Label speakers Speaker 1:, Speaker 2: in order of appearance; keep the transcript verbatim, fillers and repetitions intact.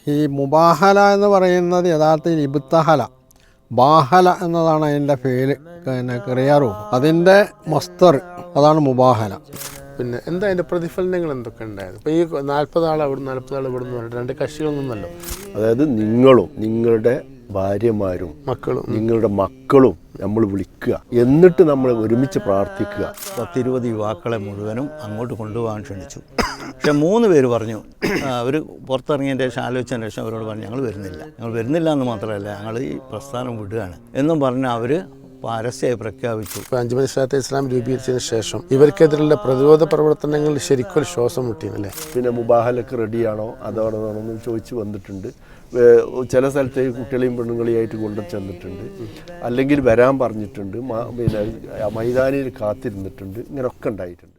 Speaker 1: ഈ മുബാഹല എന്ന് പറയുന്നത് യഥാർത്ഥത്തിൽ ഇബ്തഹല, ബാഹല എന്നതാണ് അതിൻ്റെ പേര്, പിന്നെ ക്രിയാറൂപം. അതിൻ്റെ മസ്തർ അതാണ് മുബാഹല.
Speaker 2: പിന്നെ എന്താ അതിൻ്റെ പ്രതിഫലനങ്ങൾ എന്തൊക്കെ ഉണ്ടായത്? ഇപ്പോൾ ഈ നാൽപ്പത് ആൾ അവിടെ നാൽപ്പത് ആൾ ഇവിടെ നിന്ന് പറഞ്ഞിട്ട് രണ്ട് കക്ഷികളൊന്നുമല്ലോ.
Speaker 3: അതായത് നിങ്ങളും നിങ്ങളുടെ ഭാര്യമാരും
Speaker 2: മക്കളും
Speaker 3: നിങ്ങളുടെ മക്കളും നമ്മൾ വിളിക്കുക, എന്നിട്ട് നമ്മൾ ഒരുമിച്ച് പ്രാർത്ഥിക്കുക.
Speaker 4: പത്തിരുപത് യുവാക്കളെ മുഴുവനും അങ്ങോട്ട് കൊണ്ടുപോകാൻ ക്ഷണിച്ചു. പക്ഷെ മൂന്ന് പേര് പറഞ്ഞു, അവർ പുറത്തിറങ്ങിയതിൻ്റെ ശേഷം ആലോചിച്ചതിന് ശേഷം അവരോട് പറഞ്ഞു ഞങ്ങൾ വരുന്നില്ല, ഞങ്ങൾ വരുന്നില്ല എന്ന് മാത്രമല്ല ഞങ്ങൾ ഈ പ്രസ്ഥാനം വിടുകയാണ് എന്നും പറഞ്ഞ് അവർ പരസ്യമായി പ്രഖ്യാപിച്ചു.
Speaker 2: ഇപ്പോൾ അഞ്ചുമണി ഇസ്ലാത്തെ ഇസ്ലാം രൂപീകരിച്ചതിന് ശേഷം ഇവർക്കെതിരെയുള്ള പ്രതിരോധ പ്രവർത്തനങ്ങൾ ശരിക്കും ഒരു ശ്വാസം മുട്ടിയെന്നല്ലേ?
Speaker 3: പിന്നെ മുബാഹലക്ക് റെഡിയാണോ അതോടൊന്ന് ചോദിച്ച് വന്നിട്ടുണ്ട്. ചില സ്ഥലത്തേക്ക് കുട്ടികളെയും പെണ്ണുങ്ങളെയായിട്ട് കൊണ്ടു ചെന്നിട്ടുണ്ട്, അല്ലെങ്കിൽ വരാൻ പറഞ്ഞിട്ടുണ്ട്, പിന്നെ മൈതാനിയിൽ കാത്തിരുന്നിട്ടുണ്ട്. ഇങ്ങനെയൊക്കെ ഉണ്ടായിട്ടുണ്ട്.